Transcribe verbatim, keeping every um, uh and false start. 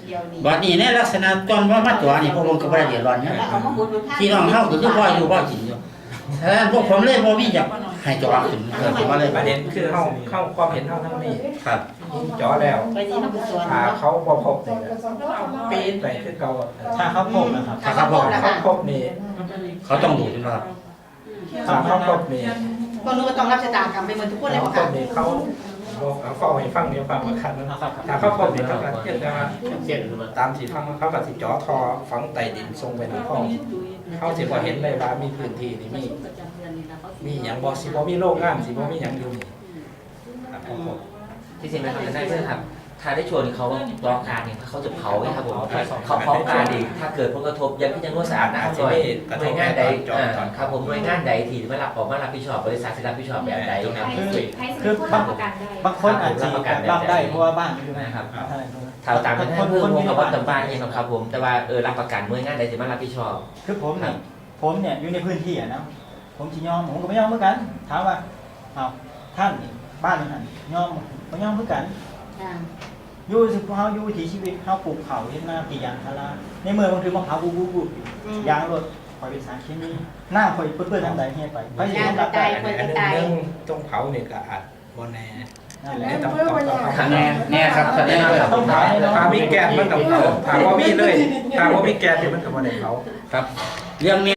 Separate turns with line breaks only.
บัดนี้ในลักษณะตอนว่ามาตัวนี่พวกผมก็บ่ได้เดือดร้อนเนี่ยพี่น้องเฮาก็คือพ่ออยู่พ่อกินอยู่ฉะนั้นพวกผมเลยบ่มีอยากให้จอขึ้นเกิดขึ้นมาเลย
ประเด็นคือเฮาเข้าความเห็นเฮาทั้งนี้
ครับ
จ่อแล้วถ้าเขาบ่พบนี่ปีนไปคือเก่า
ถ้าเขาพบนะครับ
ถ้าเขาพบ
เขาพบนี่
เขาต้องดูขึ้นมาครับ
ถ้าเขาพบนี่
ก็รู้ว่าต้องรับชะตากรรมไปเหมือนทุกคนเลย
เขา
ค่ะ
พบนี่เขาบอกเอาฟ้องให้ฟังเดี๋ยวฟังมาคันนะถ้าเขาพบนี่เขาก็เทียบว่าตามที่ฟังเขาก็สิจ่อทอฝังใต้ดินทรงไปในห้องเขาสิบ่เห็นเลยว่ามีพื้นที่นี่มีมีหยังบ่สิบ่มีโรงงานสิบ่มีหยังอยู่นี่ครับเขาพบ
ที่จริงนะครับได้เพื่อครับถ้าได้ชวนเขาร้องการเนี่ยเขาจะเผาไงครับผมเขาเผาการอีกถ้าเกิดผลกระทบยังที่จะนวดสะอาดนะครับหน่วยหน่วยงานใดครับผมหน่วยงานใดที่ไม่รับออกมารับผิดชอบบริษัทที่รับผิดชอบแบบใดครับ
คือบางบางคนอาจจะรับได้เพราะว่าบ้านอยู่นะครับ
ถ้าตามเป็นให้เพิ่มวงกับวัดตำบ้านเองครับผมแต่ว่าเออรับประกันหน่วยงานใดที่มารับผิดชอบ
คือผมเนี่ยผมเนี่ยอยู่ในพื้นที่อะนะผมจะยอมผมก็ไม่ยอมเหมือนกันถามว่าเอาท่านบ้านนั่นยอมไม่ยอมเหมือนกันอยู่สิเฮาอยู่วิถีชีวิตเฮาปลูกเขาเฮ็ดนากี่ยางพาราในเมืองบางทีมะพร้าวบูบูบูยางรถปล่อยเป็นสารเคมีหน้าข่อยเปื้อนๆทางใดเฮ็ดไปไปสิต้องรับได้
อันนึงเรื่องตรงเผาเนี่ยก็อาจบ่แน่
นั่นแหละ
ต้องต้องต้อง
แน่แน่ครับแน่เลยครับ
ต้องถามให้น้อง
ถ้ามีแก๊สมันต้องเผาถ้าบ่มีเลยถ้าบ่มีแก๊สนี่มันก็บ่ได้เผา
ครับเรื่องนี้